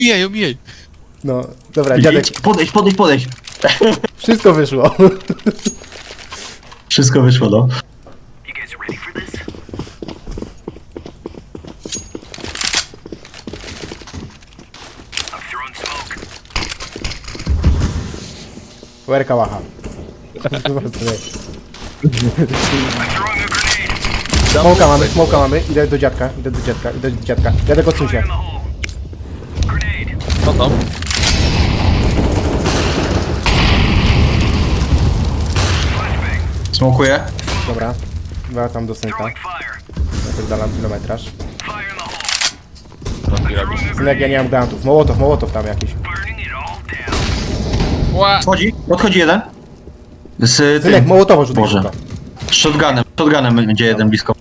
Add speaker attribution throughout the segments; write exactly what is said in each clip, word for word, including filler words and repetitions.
Speaker 1: Omijaj, omijaj.
Speaker 2: No, dobra, dziadek,
Speaker 3: Idź, Podejdź, podejdź, podejdź.
Speaker 2: wszystko wyszło.
Speaker 3: Wszystko wyszło, no.
Speaker 2: Łerka łacha. Smoka mamy, smoka mamy, idę do dziadka, idę do dziadka, idę do dziadka. Dziadek odsuń się.
Speaker 1: Co tam?
Speaker 3: Smokuję.
Speaker 2: Dobra, wracam do synka. Napierdalam kilometraż. Synek, ja nie mam granatów. Mołotow, mołotow tam jakiś.
Speaker 1: Ła!
Speaker 3: Odchodzi, odchodzi jeden. Z
Speaker 2: Synek,
Speaker 3: tym.
Speaker 2: mołotowo rzucaj.
Speaker 3: Boże.
Speaker 2: szybko.
Speaker 3: Z shotgunem, shotgunem będzie jeden blisko.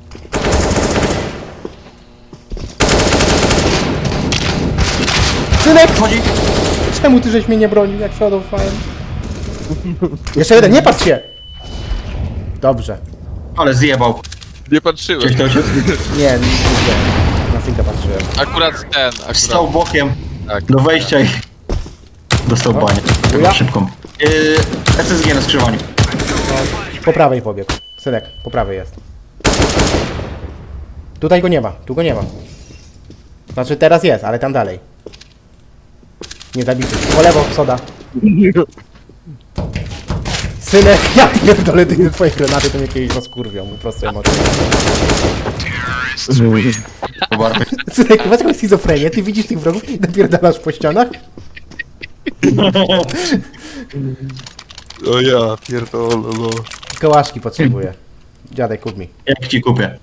Speaker 2: Synek!
Speaker 3: Odchodzi.
Speaker 2: Czemu ty żeś mnie nie bronił, jak przodowałem? Jeszcze jeden, nie patrz się! Dobrze.
Speaker 3: Ale zjebał.
Speaker 1: Nie patrzyłem.
Speaker 3: Gdzieś to się
Speaker 2: Nie, nie, nie. Na synka patrzyłem.
Speaker 1: Akurat ten,
Speaker 3: stał
Speaker 1: akurat.
Speaker 3: bokiem
Speaker 1: Tak.
Speaker 3: do wejścia i dostał
Speaker 2: No.
Speaker 3: banię.
Speaker 2: Ja?
Speaker 3: Chyba szybką. Yy, S S G na skrzyżowaniu.
Speaker 2: Po prawej pobiegł. Synek, po prawej jest. Tutaj go nie ma, tu go nie ma. Znaczy teraz jest, ale tam dalej. Nie zabity. Po lewo, soda. Synek, ja pierdolę, ty twoje granaty to mnie kiedyś rozkurwią, po prostu emocje.
Speaker 3: Chyba.
Speaker 2: Synek, masz jakąś schizofrenię, ty widzisz tych wrogów i napierdalasz po ścianach?
Speaker 1: O ja, pierdolę, no.
Speaker 2: Kołaszki potrzebuję. Dziadek, kup mi.
Speaker 3: Jak ci kupię.